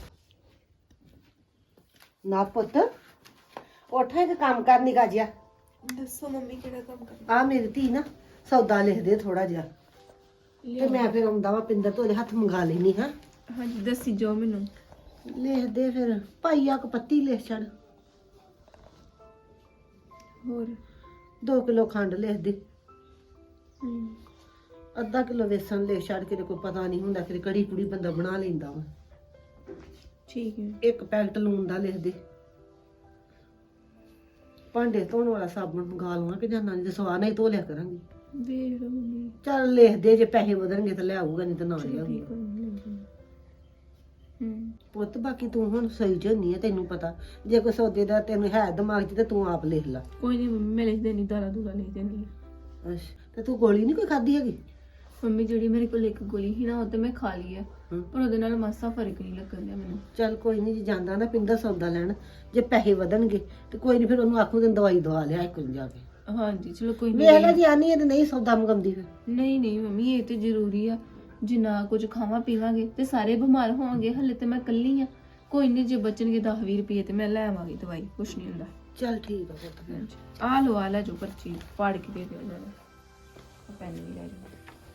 Speaker 5: ਨਾ ਪੁੱਤ ਉੱਠ ਇੱਕ ਕੰਮ ਕਰ ਨਿਕਾ ਜਿਆ
Speaker 6: ਦੱਸੋ ਮੰਮੀ ਕਿਹੜਾ ਕੰਮ ਕਰਨਾ
Speaker 5: ਆ ਮੇਰੀ ਧੀ ਨਾ ਸੌਦਾ ਲਿਖ ਦੇ ਥੋੜਾ ਜਿਹਾ ਤੇ ਮੈਂ ਫਿਰ ਆਉਂਦਾ ਵਾ ਪਿੰਦਰ ਤੋਂ ਉਹਦੇ ਹੱਥ ਮੰਗਾ ਲੈਣੀ ਹਾਂ
Speaker 6: ਹਾਂਜੀ ਦੱਸੀ ਜੋ ਮੈਨੂੰ
Speaker 5: ਲਿਖ ਦੇ ਫਿਰ ਭਾਈਆ ਕ ਪੱਤੀ ਲਿਖ ਛੱਡ
Speaker 6: ਹੋਰ
Speaker 5: ਦੋ ਕਿਲੋ ਖੰਡ ਲਿਖ ਦੇ
Speaker 6: ਹਮ,
Speaker 5: ਅੱਧਾ ਕਿਲੋ ਵੇਸਣ ਲਿਖ ਛੱਡ ਕੇ ਕੋਈ ਪਤਾ ਨਹੀਂ ਹੁੰਦਾ ਕਿ ਕੜੀ ਕੁੜੀ ਬੰਦਾ ਬਣਾ ਲੈਂਦਾ ਵਾ
Speaker 6: ਠੀਕ ਹੈ
Speaker 5: ਇੱਕ ਪੈਕਟ ਲੂਣ ਦਾ ਲਿਖ ਦੇ ਭਾਂਡੇ ਧੋਣ ਵਾਲਾ ਸਾਬਣ ਮੰਗਾ ਲਵਾਂ ਕਿ ਜਾਂ ਨਹੀਂ ਤੇ ਸਵਾ ਨਹੀਂ ਧੋ ਲਿਆ ਕਰਾਂਗੀ
Speaker 6: ਵੇਖ ਲਓ ਮੰਮੀ
Speaker 5: ਚੱਲ ਲਿਖ ਦੇ ਜੇ ਪੈਸੇ ਵਧਣਗੇ ਤਾਂ ਲਿਆਊਗਾ ਨਹੀਂ ਤਾਂ ਨਾ
Speaker 6: ਚਲੋ
Speaker 5: ਲਿਆਊਗਾ
Speaker 6: ਠੀਕ ਹੋ ਹਮ
Speaker 5: ਪੁੱਤ ਬਾਕੀ ਤੂੰ ਹੁਣ ਸਹੀ ਚ ਹੁੰਨੀ ਆ ਤੈਨੂੰ ਪਤਾ ਜੇ ਕੋਈ ਸੌਦੇ ਦਾ ਤੈਨੂੰ ਹੈ ਦਿਮਾਗ 'ਚ ਤੇ ਤੂੰ ਆਪ ਲਿਖ ਲਾ
Speaker 6: ਕੋਈ ਨਹੀਂ ਮੰਮੀ ਮੈਂ ਲਿਖ ਦੇਣੀ ਦਾਰਾ ਦੂਰਾ ਲਿਖ ਦੇਣੀ
Speaker 5: ਅੱਛਾ ਤੇ ਤੂੰ ਗੋਲੀ ਨਹੀਂ ਕੋਈ ਖਾਧੀ ਹੈਗੀ
Speaker 6: ਮੰਮੀ ਜਿਹੜੀ ਮੇਰੇ ਕੋਲ ਇੱਕ ਗੋਲੀ ਸੀ ਨਾ ਉਹ ਤੇ ਮੈਂ ਖਾ ਲਈ ਹੈ
Speaker 5: ਹਮ।
Speaker 6: ਪਰ ਉਹਦੇ ਨਾਲ ਮਾਸਾ ਫਰਕ ਨਹੀਂ ਲੱਗਣ ਡਿਆ ਮੈਨੂੰ
Speaker 5: ਚੱਲ ਕੋਈ ਨਹੀਂ ਜੇ ਜਾਂਦਾ ਨਾ ਪਿੰਦਾ ਸੌਦਾ ਲੈਣ ਜੇ ਪੈਸੇ ਵਧਣਗੇ ਤੇ ਕੋਈ ਨਹੀਂ ਫਿਰ ਉਹਨੂੰ ਆਖੂ ਤੈਨੂੰ ਦਵਾਈ ਦਵਾ ਲਿਆ ਇੱਕ ਨੂੰ ਜਾ ਕੇ
Speaker 6: ਹਾਂਜੀ ਚਲੋ ਕੋਈ
Speaker 5: ਵੇਖ ਲੈ
Speaker 6: ਨਹੀਂ
Speaker 5: ਜੀ ਆਨੀ ਹੈ ਤੇ ਨਹੀਂ ਸੌਦਾ ਮੰਗਾਉਂਦੀ ਫਿਰ
Speaker 6: ਨਹੀਂ ਨਹੀਂ ਮੰਮੀ ਇਹ ਤੇ ਜ਼ਰੂਰੀ ਆ ਜਿੰਨਾ ਕੁਝ ਖਾਵਾਂ ਪੀਵਾਂਗੇ ਤੇ ਸਾਰੇ ਬਿਮਾਰ ਹੋਵਾਂਗੇ ਹਲੇ ਤੇ ਮੈਂ ਇਕੱਲੀ ਆ ਕੋਈ ਨਹੀਂ ਜੇ ਬਚਣਗੇ ਦਸ ਵੀਹ ਰੁਪਏ ਤੇ ਮੈਂ ਲੈ ਆਵਾਂਗੀ ਦਵਾਈ ਕੁਛ ਨਹੀਂ ਹੁੰਦਾ
Speaker 5: ਚੱਲ ਠੀਕ ਆ ਪੁੱਤ ਫਿਰ
Speaker 6: ਹਾਂਜੀ ਆ ਲੋ ਆ ਲੈ ਜੋ ਪਰਚੀ ਪਾੜ ਕੇ ਦੇ ਦਿਓ ਜਰਾ ਪੈਨ ਵੀ ਲੈ ਜਾਓ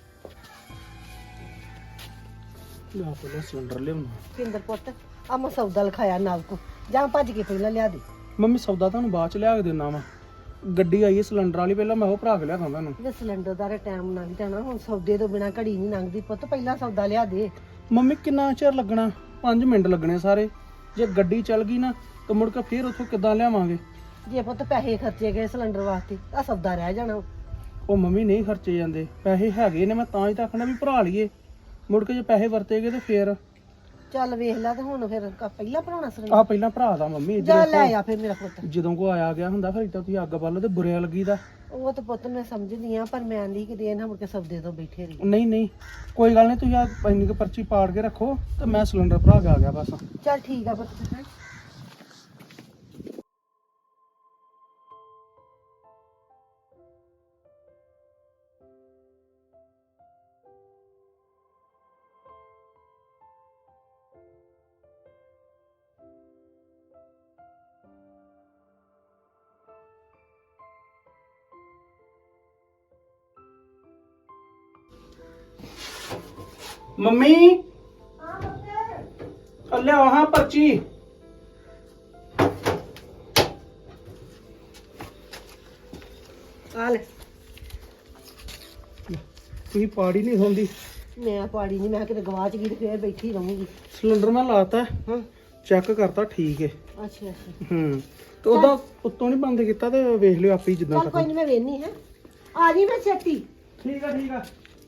Speaker 1: ਨਾ ਪਹਿਲਾਂ ਸਿਲੰਡਰ ਲਿਆਉਣਾ
Speaker 5: ਪਿੰਦਰ ਪੁੱਤ ਆ ਮੈਂ ਸੌਦਾ ਲਿਖਾਇਆ ਨਾਲ ਕੋ ਜਾਂ ਭੱਜ ਕੇ ਪਹਿਲਾਂ ਲਿਆ ਦੇ
Speaker 7: ਮੰਮੀ ਸੌਦਾ ਤੁਹਾਨੂੰ ਬਾਅਦ ਚ ਲਿਆ ਕੇ ਦੇਣਾ ਵਾ ਗੱਡੀ ਆਈ ਹੈ ਸਿਲੰਡਰ ਵਾਲੀ ਪਹਿਲਾਂ ਮੈਂ ਉਹ ਭਰਾ ਕੇ ਲਿਆ ਖਾਂਦਾ ਤੁਹਾਨੂੰ
Speaker 5: ਜੇ ਸਿਲੰਡਰ ਦਾ ਟਾਈਮ ਲੰਘ ਜਾਣਾ ਹੁਣ ਸੌਦੇ ਤੋਂ ਬਿਨਾ ਘੜੀ ਨਹੀਂ ਲੰਘਦੀ ਪੁੱਤ ਪਹਿਲਾਂ ਸੌਦਾ ਲਿਆ ਦੇ
Speaker 7: ਮੰਮੀ ਕਿੰਨਾ ਚਿਰ ਲੱਗਣਾ ਪੰਜ ਮਿੰਟ ਲੱਗਣੇ ਸਾਰੇ ਜੇ ਗੱਡੀ ਚੱਲ ਗਈ ਨਾ ਤਾਂ ਮੁੜ ਕੇ ਫੇਰ ਉੱਥੋਂ ਕਿੱਦਾਂ ਲਿਆਵਾਂਗੇ
Speaker 5: ਜੇ ਪੁੱਤ ਪੈਸੇ ਖਰਚੇ ਗਏ ਸਿਲੰਡਰ ਵਾਸਤੇ ਆ ਸੌਦਾ ਰਹਿ ਜਾਣਾ
Speaker 7: ਉਹ ਮੰਮੀ ਨਹੀਂ ਖਰਚੇ ਜਾਂਦੇ ਪੈਸੇ ਹੈਗੇ ਨੇ ਮੈਂ ਤਾਂ ਹੀ ਤਾਂ ਆਖਣਾ ਵੀ ਭਰਾ ਲਈਏ ਮੁੜ ਕੇ ਜੇ ਪੈਸੇ ਵਰਤੇਗੇ ਤੇ ਫੇਰ
Speaker 5: ਚੱਲ ਵੇਖ ਲੈ ਤੇ ਹੁਣ ਫਿਰ ਕ- ਪਹਿਲਾਂ ਭਰਾਉਣਾ
Speaker 7: ਆ
Speaker 5: ਸਿਲੰਡਰ
Speaker 7: ਪਹਿਲਾਂ ਭਰਾ ਦਾ ਮੰਮੀ
Speaker 5: ਜਾ
Speaker 7: ਜਦੋਂ
Speaker 5: ਲੈ ਆ ਫਿਰ ਮੇਰਾ ਪੁੱਤ
Speaker 7: ਜਦੋਂ ਕੋ ਆਇਆ ਗਿਆ ਹੁੰਦਾ ਫਿਰ ਇੱਦਾਂ ਤੁਸੀਂ ਅੱਗ ਬਾਲੋ ਤੇ ਬੁਰਿਆ ਲੱਗੀਦਾ।
Speaker 5: ਉਹ ਤਾਂ ਪੁੱਤ ਮੈਂ ਸਮਝਦੀ ਆ ਪਰ ਮੈਂ ਨਹੀਂ ਕਿ ਦੇ ਨਾ ਮੁੜ ਕੇ ਸਬਦੇ ਤੋਂ ਬੈਠੇ ਰਹੀ।
Speaker 7: ਨਹੀਂ ਨਹੀਂ ਕੋਈ ਗੱਲ ਨਹੀਂ, ਤੁਸੀਂ ਆ ਇੰਨੀ ਕੁ ਪਰਚੀ ਪਾੜ ਕੇ ਰੱਖੋ ਤੇ ਮੈਂ ਸਿਲੰਡਰ ਭਰਾ ਕੇ ਆ ਗਿਆ ਬਸ।
Speaker 5: ਚੱਲ ਠੀਕ ਆ ਪੁੱਤ। ਹੈਂ।
Speaker 7: ਮੰਮੀ ਆ ਲਿਆਓ ਹਾਂ ਪਰਚੀ।
Speaker 5: ਆ ਲੈ
Speaker 7: ਤੁਸੀਂ ਪਾੜੀ ਨਹੀਂ ਹੁੰਦੀ।
Speaker 5: ਮੈਂ ਪਾੜੀ ਨਹੀਂ, ਮੈਂ ਕਿਤੇ ਗਵਾਚ ਗਈ ਤੇ ਫੇਰ ਬੈਠੀ ਰਹੂੰਗੀ।
Speaker 7: ਸਿਲੰਡਰ ਮੈਂ ਲਾਤਾ,
Speaker 5: ਹਾਂ
Speaker 7: ਚੈੱਕ ਕਰਤਾ, ਠੀਕ ਹੈ।
Speaker 5: ਅੱਛਾ ਅੱਛਾ
Speaker 7: ਹੂੰ ਤੇ ਉਹਦਾ ਉੱਤੋਂ ਨਹੀਂ ਬੰਦ ਕੀਤਾ ਤੇ ਵੇਖ ਲਿਓ ਆਪੇ ਹੀ ਜਿੱਦਾਂ
Speaker 5: ਚੱਲ ਕੋਈ
Speaker 7: ਕਰਨਾ।
Speaker 5: ਨਹੀਂ ਮੈਂ ਵੇਖਨੀ ਹੈ। ਆ ਜੀ ਮੈਂ ਛੇਤੀ।
Speaker 7: ਠੀਕ ਆ ਠੀਕ ਆ।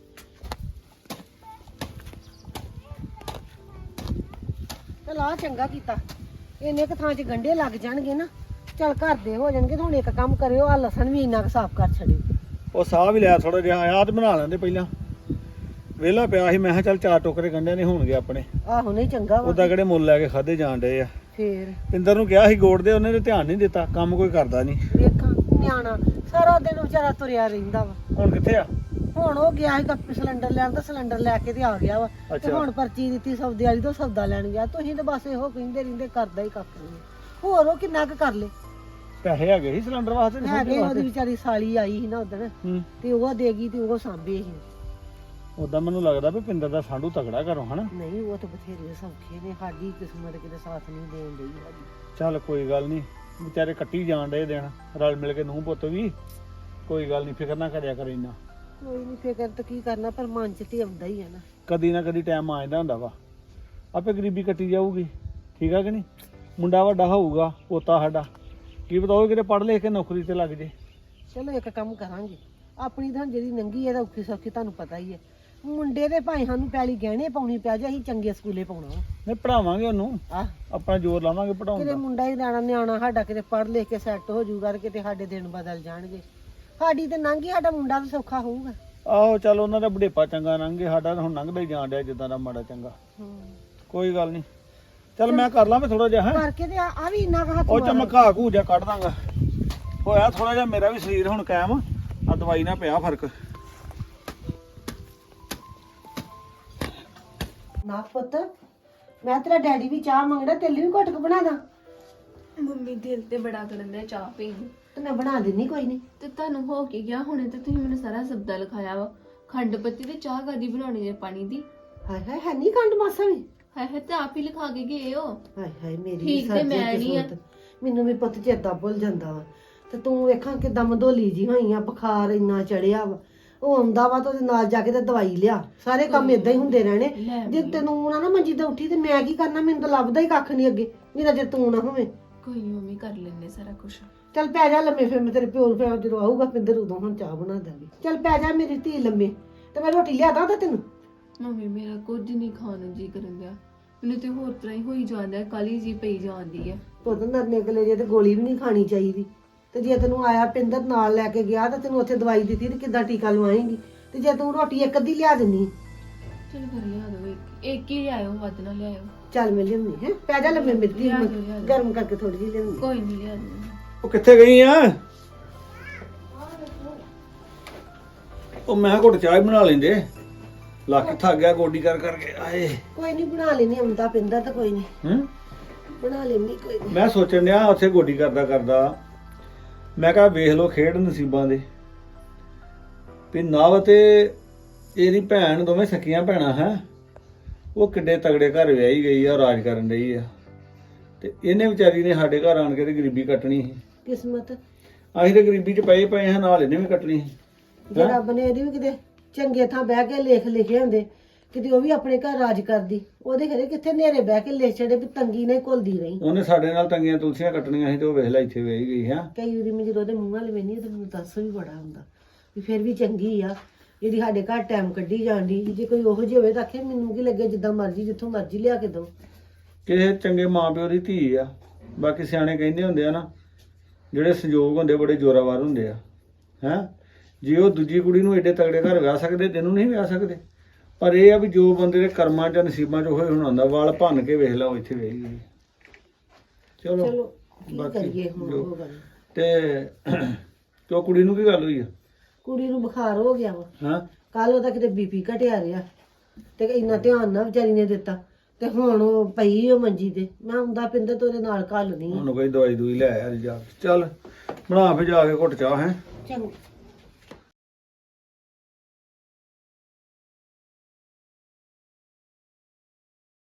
Speaker 5: ਚਲ ਆ ਚੰਗਾ ਕੀਤਾ, ਇੰਨੇ ਕੁ ਥਾਂ 'ਚ ਗੰਢੇ ਲੱਗ ਜਾਣਗੇ ਨਾ, ਚੱਲ ਘਰ ਦੇ ਹੋ ਜਾਣਗੇ। ਤੇ ਹੁਣ ਇੱਕ ਕੰਮ ਕਰਿਓ, ਆ ਲਸਣ ਵੀ ਇੰਨਾ ਕੁ ਸਾਫ਼ ਕਰ ਛੱਡਿਓ।
Speaker 8: ਉਹ ਸਾਹ ਵੀ ਲਿਆ ਥੋੜਾ ਜਿਹਾ, ਆਹ ਤੇ ਬਣਾ ਲੈਂਦੇ ਪਹਿਲਾਂ। ਵਿਹਲਾ ਪਿਆ ਸੀ, ਮੈਂ ਕਿਹਾ ਚੱਲ ਚਾਰ ਟੋਕਰੇ ਗੰਢਿਆਂ ਦੇ ਹੋਣਗੇ ਆਪਣੇ।
Speaker 5: ਆਹੋ ਨਹੀਂ ਚੰਗਾ ਵਾ।
Speaker 8: ਉਹਦਾ ਕਿਹੜੇ ਮੁੱਲ ਲੈ ਕੇ ਖਾਦੇ ਜਾਣ ਡਏ ਆ।
Speaker 5: ਫੇਰ
Speaker 8: ਪਿੰਦਰ ਨੂੰ ਕਿਹਾ ਸੀ ਗੋੜ ਦੇ, ਉਹਨੇ ਤੇ ਧਿਆਨ ਨਹੀਂ ਦਿੱਤਾ, ਕੰਮ ਕੋਈ ਕਰਦਾ ਨਹੀਂ।
Speaker 5: ਵੇਖਾਂ ਨਿਆਣਾ ਸਾਰਾ ਦਿਨ ਵਿਚਾਰਾ ਤੁਰਿਆ ਰਹਿੰਦਾ ਵਾ।
Speaker 8: ਹੁਣ ਕਿੱਥੇ ਆ?
Speaker 5: ਹੁਣ ਉਹ ਗਿਆ ਸੀ ਕੱਪ ਸਿਲੰਡਰ ਲੈਣ, ਤਾਂ ਸਿਲੰਡਰ ਲੈ ਕੇ ਤੇ ਆ ਗਿਆ ਵਾ। ਤੇ
Speaker 8: ਅੱਛਾ।
Speaker 5: ਹੁਣ ਪਰਚੀ ਦਿੱਤੀ ਸੌਦੇ ਵਾਲੀ ਤੋਂ ਸੌਦਾ ਲੈਣ ਗਿਆ। ਤੁਸੀਂ ਤਾਂ ਬਸ ਇਹੋ ਕਹਿੰਦੇ ਰਹਿੰਦੇ, ਕਰਦਾ ਹੀ ਕੱਖ ਨਹੀਂ। ਹੋਰ ਉਹ ਕਿੰਨਾ ਕੁ ਕਰ ਲੇ।
Speaker 8: ਪੈਸੇ ਹੈਗੇ ਸੀ ਸਿਲੰਡਰ ਵਾਸਤੇ ਤੇ
Speaker 5: ਹੈਗੇ
Speaker 8: ਸਬਜ਼ੀ
Speaker 5: ਉਹਦੀ
Speaker 8: ਵਾਸਤੇ।
Speaker 5: ਵਿਚਾਰੀ ਸਾਲੀ ਆਈ ਸੀ ਨਾ ਉਦਣ,
Speaker 8: ਹੂੰ
Speaker 5: ਤੇ ਉਹ ਦੇਗੀ ਤੇ ਉਹ ਸਾਂਭੇ ਸੀ।
Speaker 8: ਉਦਾਂ ਮੈਨੂੰ ਲੱਗਦਾ ਵੀ ਪਿੰਦਰ ਦਾ ਸਾਂਢੂ ਤਗੜਾ ਘਰੋਂ ਹਨਾ।
Speaker 5: ਨਹੀਂ ਉਹ ਤਾਂ ਬਥੇਰੇ ਸੌਖੇ ਨੇ, ਸਾਡੀ ਕਿਸਮਤ ਕਿਤੇ ਸਾਥ ਨਹੀਂ ਦੇਣ ਡਈ ਸਾਡੀ।
Speaker 8: ਚੱਲ ਕੋਈ ਗੱਲ ਨਹੀਂ, ਵਿਚਾਰੇ ਕੱਟੀ ਜਾਣ ਡਏ ਦਿਨ, ਰਲ ਮਿਲ ਕੇ ਨੂੰਹ ਪੁੱਤ ਵੀ। ਕੋਈ ਗੱਲ ਨਹੀਂ, ਫਿਕਰ ਨਾ ਕਰਿਆ ਕਰ ਇੰਨਾ।
Speaker 5: ਕੋਈ ਨਹੀਂ ਫਿਕਰ ਤਾਂ ਕੀ ਕਰਨਾ, ਪਰ ਮਨ ਚ ਤੇ ਆਉਂਦਾ ਹੀ ਆ ਨਾ।
Speaker 8: ਕਦੀ ਨਾ ਕਦੀ ਟਾਈਮ ਆ ਜਾਂਦਾ ਹੁੰਦਾ ਵਾ, ਆਪੇ ਗਰੀਬੀ ਕੱਟੀ ਜਾਊਗੀ। ਠੀਕ ਆ ਕਿ ਨਹੀਂ? ਮੁੰਡਾ ਵੱਡਾ ਹੋਊਗਾ, ਪੋਤਾ ਸਾਡਾ, ਕੀ ਪਤਾ ਉਹ ਕਿਤੇ ਪੜ੍ਹ ਲਿਖ ਕੇ ਨੌਕਰੀ ਤੇ ਲੱਗ ਜੇ।
Speaker 5: ਚਲੋ ਇੱਕ ਕੰਮ ਕਰਾਂਗੇ, ਆਪਣੀ ਤਾਂ ਜਿਹੜੀ ਨੰਗੀ ਇਹਦਾ ਔਖੀ ਸੌਖੀ ਤੁਹਾਨੂੰ ਪਤਾ ਹੀ ਹੈ। ਮੁੰਡੇ ਦੇ ਭਾਈ ਸਾਨੂੰ ਪੈਲੀ ਗਹਿਣੇ ਪਾਉਣੀ ਪਿਆ ਜੇ, ਅਸੀਂ ਚੰਗੇ ਸਕੂਲੇ ਪਾਉਣਾ ਵਾ।
Speaker 8: ਨਹੀਂ ਪੜਾਵਾਂਗੇ ਉਹਨੂੰ,
Speaker 5: ਆਹ
Speaker 8: ਆਪਣਾ ਜ਼ੋਰ ਲਾਵਾਂਗੇ ਪੜਾਉਣ
Speaker 5: ਕਿਤੇ
Speaker 8: ਦਾ।
Speaker 5: ਮੁੰਡਾ ਹੀ ਨਿਆਣਾ ਨਿਆਣਾ ਸਾਡਾ ਕਿਤੇ ਪੜ੍ਹ ਲਿਖ ਕੇ ਸੈੱਟ ਹੋ ਜਾਊਗਾ ਤੇ ਕਿਤੇ ਸਾਡੇ ਦਿਨ ਬਦਲ ਜਾਣਗੇ। ਸਾਡੀ ਤੇ ਨੰਗੀ, ਸਾਡਾ ਮੁੰਡਾ ਵੀ ਸੌਖਾ ਹੋਊਗਾ।
Speaker 8: ਆਹੋ ਚੱਲ ਉਹਨਾਂ ਦਾ ਬੁਢੇਪਾ ਚੰਗਾ ਲੰਘੇ, ਸਾਡਾ ਤਾਂ ਹੁਣ ਲੰਘਦਾ ਹੀ ਜਾਣ ਡਿਆ ਜਿੱਦਾਂ ਦਾ ਮਾੜਾ ਚੰਗਾ। ਕੋਈ ਗੱਲ ਨਹੀਂ, ਚੱਲ ਮੈਂ ਕਰ ਲਾਂ ਮੈਂ ਥੋੜਾ ਜਿਹਾ ਹੈਂ।
Speaker 5: ਕਰਕੇ ਤੇ ਆ ਆ ਵੀ ਇੰਨਾ ਕੁ ਹੱਥ
Speaker 8: ਉਹ ਚ
Speaker 5: ਮਾਰੋ।
Speaker 8: ਮੈਂ ਘਾਹ ਘੂ ਜਿਹਾ ਕੱਢ ਦਾਂਗਾ। ਹੋਇਆ ਥੋੜਾ ਜਿਹਾ ਮੇਰਾ ਵੀ ਸਰੀਰ ਹੁਣ ਕਾਇਮ ਆ, ਦਵਾਈ ਨਾਲ ਪਿਆ ਫਰਕ।
Speaker 5: ਨਾ ਪੁੱਤ, ਮੈਂ ਤੇਰਾ ਡੈਡੀ ਵੀ ਚਾਹ ਮੰਗਦਾ, ਤੇਲੀ ਵੀ ਘੁੱਟ ਕੇ ਬਣਾ ਦਾਂ।
Speaker 6: ਮੰਮੀ ਦਿਲ ਤੇ ਬੜਾ ਕਰਨ ਦੇ ਚਾਹ ਪੀਣ ਨੂੰ।
Speaker 5: ਤੇ ਮੈਂ ਬਣਾ ਦਿੰਨੀ ਕੋਈ ਨਹੀਂ।
Speaker 6: ਤੇ ਤੁਹਾਨੂੰ ਹੋ ਕੇ ਗਿਆ ਹੁਣੇ ਤੇ ਤੁਸੀਂ ਮੈਨੂੰ ਸਾਰਾ ਸਬਦਾ ਲਿਖਾਇਆ ਵਾ। ਖੰਡ ਪੱਤੀ ਤੇ ਚਾਹ ਕਾਦੀ ਬਣਾਉਣੀ ਜੇ ਪਾਣੀ ਦੀ।
Speaker 5: ਹਾਏ ਹਾਏ ਹੈ ਨਹੀਂ ਕੰਡ ਮਾਸਾ ਵੀ।
Speaker 6: ਹਾਏ ਹਾਏ ਤੇ ਆਪ ਹੀ ਲਿਖਾ ਕੇ ਗਏ ਹੋ।
Speaker 5: ਹਾਏ ਹਾਏ ਮੇਰੀ
Speaker 6: ਠੀਕ ਤੇ ਮੈਂ ਨਹੀਂ ਆ।
Speaker 5: ਮੈਨੂੰ ਵੀ ਪੁੱਤ ਚੇਤਾ ਭੁੱਲ ਜਾਂਦਾ ਵਾ। ਤੇ ਤੂੰ ਵੇਖਾਂ ਕਿਦਾਂ ਮਧੋਲੀ ਜੀ ਹੋਈ ਆ, ਬੁਖਾਰ ਇੰਨਾ ਚੜਿਆ ਵਾ। ਉਹ ਆਉਂਦਾ ਵਾ ਤਾਂ ਉਹਦੇ ਨਾਲ ਜਾ ਕੇ ਤੇ ਦਵਾਈ ਲਿਆ। ਸਾਰੇ ਕੰਮ ਇਦਾਂ ਹੀ ਹੁੰਦੇ ਰਹਿਣੇ। ਜੇ ਤੈਨੂੰ ਨਾ ਨਾ ਮੰਜੀ ਤੇ ਉੱਠੀ ਤੇ ਮੈਂ ਕੀ ਕਰਨਾ? ਮੈਨੂੰ ਤਾਂ ਲੱਭਦਾ ਹੀ ਕੱਖ ਨਹੀਂ ਅੱਗੇ, ਮੇਰਾ ਜੇ ਤੂੰ ਨਾ ਹੋਵੇਂ।
Speaker 6: ਕੋਈ ਨੀ ਮੰਮੀ, ਕਰ ਲੈਣੇ ਸਾਰਾ ਕੁਝ।
Speaker 5: ਚੱਲ ਪੈ ਜਾ ਲੰਮੇ, ਫਿਰ ਮੈਂ ਤੇਰੇ ਪਿਓ ਨੂੰ ਫਿਰ ਜਦੋਂ ਆਊਗਾ ਪਿੰਦਰ ਉਦੋਂ ਹੁਣ ਚਾਹ ਬਣਾ ਦਾਂਗੀ। ਚੱਲ ਪੈ ਜਾ ਮੇਰੀ ਧੀ ਲੰਮੇ, ਤੇ ਮੈਂ ਰੋਟੀ ਲਿਆਦਾ ਤਾਂ ਤੈਨੂੰ।
Speaker 6: ਮੰਮੀ ਮੇਰਾ ਕੁਝ ਨਹੀਂ ਖਾਣ ਨੂੰ ਜੀ ਕਰਨ ਦਿਆ। ਮੈਨੂੰ ਤੇ ਹੋਰ ਤਰ੍ਹਾਂ ਹੀ ਹੋਈ ਜਾਂਦਾ, ਕਾਲੀ ਜੀ ਪਈ ਜਾਂਦੀ ਹੈ।
Speaker 5: ਪੁੱਤ ਨਰਨੇ ਕਲੇ ਜੇ ਤੇ ਗੋਲੀ ਵੀ ਨਹੀਂ ਖਾਣੀ ਚਾਹੀਦੀ। ਤੇ ਜੇ ਤੈਨੂੰ ਆਇਆ ਪਿੰਦਰ ਨਾਲ ਲੈ ਕੇ ਗਿਆ ਤਾਂ ਤੈਨੂੰ ਉੱਥੇ ਦਵਾਈ ਦਿੱਤੀ ਤੇ ਕਿੱਦਾਂ ਟੀਕਾ ਲਵਾਏਂਗੀ? ਤੇ ਜੇ ਤੂੰ ਰੋਟੀ ਇੱਕ ਅੱਧੀ ਲਿਆ ਦਿੰਨੀ।
Speaker 6: ਚਲ ਫਿਰ ਲਿਆ ਦੋ ਇੱਕ ਇੱਕ ਹੀ ਲਿਆਇਓ, ਵੱਧ ਨਾ ਲਿਆਇਓ।
Speaker 5: ਚੱਲ ਮੈਂ ਲਿਆਉਣੀ ਹੈ, ਪੈ ਜਾ ਲੰਮੇ ਮੇਰੀ ਧੀ,
Speaker 6: ਲਿਆ ਦਿਓ, ਲਿਆ ਦਿਓ।
Speaker 5: ਗਰਮ ਕਰਕੇ ਥੋੜੀ ਜਿਹੀ ਲਿਆਉਣੀ।
Speaker 6: ਕੋਈ ਨਹੀਂ ਲਿਆ ਦੋ।
Speaker 8: ਉਹ ਕਿੱਥੇ ਗਈ ਆ? ਉਹ ਮੈਂ ਕਿਹਾ ਘੁੱਟ ਚਾਹ ਹੀ ਬਣਾ ਲੈਂਦੇ, ਲੱਕ ਥੱਕ ਗਿਆ ਗੋਡੀ ਕਰ ਕਰਕੇ। ਆਏ
Speaker 5: ਕੋਈ ਨਹੀਂ ਬਣਾ ਲੈਣੀ, ਆਉਂਦਾ ਪਿੰਦਰ ਤਾਂ ਕੋਈ ਨਹੀਂ
Speaker 8: ਹੂੰ
Speaker 5: ਬਣਾ ਲੈਣੀ ਕੋਈ ਨਹੀਂ।
Speaker 8: ਮੈਂ ਸੋਚਣ ਡਿਆ ਉੱਥੇ ਗੋਡੀ ਕਰਦਾ ਕਰਦਾ, ਮੈਂ ਕਿਹਾ ਵੇਖ ਲਓ ਖੇਡ ਨਸੀਬਾਂ ਦੇ ਵੀ ਨਵ ਤੇ ਇਹਦੀ ਭੈਣ ਦੋਵੇਂ ਸਕੀਆਂ ਭੈਣਾਂ ਹੈ, ਉਹ ਕਿੱਡੇ ਤਗੜੇ ਘਰ ਵਿਆਹੀ ਗਈ ਆ, ਰਾਜ ਕਰਨ ਰਹੀ ਆ। ਤੇ ਇਹਨੇ ਵਿਚਾਰੀ ਨੇ ਸਾਡੇ ਘਰ ਆਣ ਕੇ ਤੇ ਗਰੀਬੀ ਕੱਟਣੀ ਸੀ।
Speaker 5: ਕਿਸਮਤ
Speaker 8: ਅਸੀਂ ਤੇ ਗਰੀਬੀ 'ਚ ਪਏ ਪਏ ਹਾਂ, ਨਾਲ ਇਹਨੇ ਵੀ ਕੱਟਣੀ ਸੀ।
Speaker 5: ਜੇ ਰੱਬ ਨੇ ਇਹਦੀ ਵੀ ਕਿਤੇ ਚੰਗੇ ਥਾਂ ਬਹਿ ਕੇ ਲੇਖ ਲਿਖੇ ਹੁੰਦੇ, ਕਿਤੇ ਉਹ ਵੀ ਆਪਣੇ ਘਰ ਰਾਜ ਕਰਦੀ। ਉਹਦੇ ਘਰੇ ਕਿੱਥੇ ਨੇਰੇ ਬਹਿ ਕੇ ਲਿਖ ਛੜੇ ਵੀ ਤੰਗੀ ਨਹੀਂ ਘੁਲਦੀ ਰਹੀ।
Speaker 8: ਉਹਨੇ ਸਾਡੇ ਨਾਲ ਤੰਗੀਆਂ ਤੁਲਸੀਆਂ ਕੱਟਣੀਆਂ ਸੀ ਤੇ ਉਹ ਵੇਖ ਲੈ ਇੱਥੇ ਵਿਆਹੀ ਗਈ ਹੈ।
Speaker 5: ਕਈ ਵਾਰੀ ਮੈਂ ਜਦੋਂ ਉਹਦੇ ਮੂੰਹ ਵਾਲੇ ਵੇਖਦੀ ਤਾਂ ਮੈਨੂੰ ਦੱਸ ਵੀ ਬੜਾ ਹੁੰਦਾ ਵੀ ਫਿਰ ਵੀ ਚੰਗੀ ਆ। ਜਿਹੜੀ ਸਾਡੇ ਘਰ ਟਾਈਮ ਕੱਢੀ ਜਾਂਦੀ ਜੇ ਕੋਈ ਉਹੋ ਜਿਹੀ ਹੋਵੇ ਤਾਂ ਆਖੇ ਮੈਨੂੰ ਕੀ ਲੱਗੇ ਜਿੱਦਾਂ ਮਰਜ਼ੀ ਜਿੱਥੋਂ ਮਰਜ਼ੀ ਲਿਆ ਕੇ ਦੋ।
Speaker 8: ਕਿਸੇ ਚੰਗੇ ਮਾਪਿਓ ਦੀ ਧੀ ਆ। ਬਾਕੀ ਸਿਆਣੇ ਕਹਿੰਦੇ ਹੁੰਦੇ ਆ ਨਾ, ਜਿਹੜੇ ਸੰਜੋਗ ਹੁੰਦੇ ਬੜੇ ਜ਼ੋਰਾਵਰ ਹੁੰਦੇ ਆ ਹੈਂ। ਜੇ ਉਹ ਦੂਜੀ ਕੁੜੀ ਨੂੰ ਏਡੇ ਤਗੜੇ ਘਰ ਵਿਆਹ ਸਕਦੇ, ਤੈਨੂੰ ਨਹੀਂ ਵਿਆਹ ਸਕਦੇ। ਪਰ ਇਹ ਆ ਵੀ ਜੋ ਬੰਦੇ ਦੇ ਕਰਮਾਂ 'ਚ ਨਸੀਬਾਂ 'ਚ ਹੋਏ ਹੁਣ ਆਉਂਦਾ, ਵਾਲ ਭੰਨ ਕੇ ਵੇਖ ਲਾ ਉਹ ਇੱਥੇ ਵੇਖ ਗਈ। ਚਲੋ
Speaker 5: ਚਲੋ ਕੀ
Speaker 8: ਬਾਕੀ
Speaker 5: ਕਰੀਏ ਹੁਣ
Speaker 8: ਜੋ-
Speaker 5: ਉਹ ਗੱਲ।
Speaker 8: ਤੇ ਤੋ ਕੁੜੀ ਨੂੰ ਕੀ ਗੱਲ ਹੋਈ ਆ?
Speaker 5: ਕੁੜੀ ਨੂੰ ਬੁਖਾਰ ਹੋ ਗਿਆ ਵਾ,
Speaker 8: ਹਾਂ
Speaker 5: ਕੱਲ ਉਹਦਾ ਕਿਤੇ ਬੀਪੀ ਘਟਿਆ ਰਿਹਾ ਤੇ ਇੰਨਾ ਧਿਆਨ ਨਾ ਵਿਚਾਰੀ ਨੇ ਦਿੱਤਾ ਤੇ ਹੁਣ ਉਹ ਪਈ ਉਹ ਮੰਜੀ ਤੇ। ਮੈਂ ਹੁੰਦਾ ਪਿੰਦਰ ਤੋਂ ਉਹਦੇ ਨਾਲ ਘੱਲਣੀ ਆ।
Speaker 8: ਉਹਨੂੰ ਕੋਈ ਦਵਾਈ ਦੂਈ ਲੈ ਆ ਜਾ ਕੇ। ਚੱਲ ਬਣਾ ਫਿਰ ਜਾ ਕੇ ਘੁੱਟ ਚਾਹ ਹੈ।
Speaker 5: ਚੰਗਾ।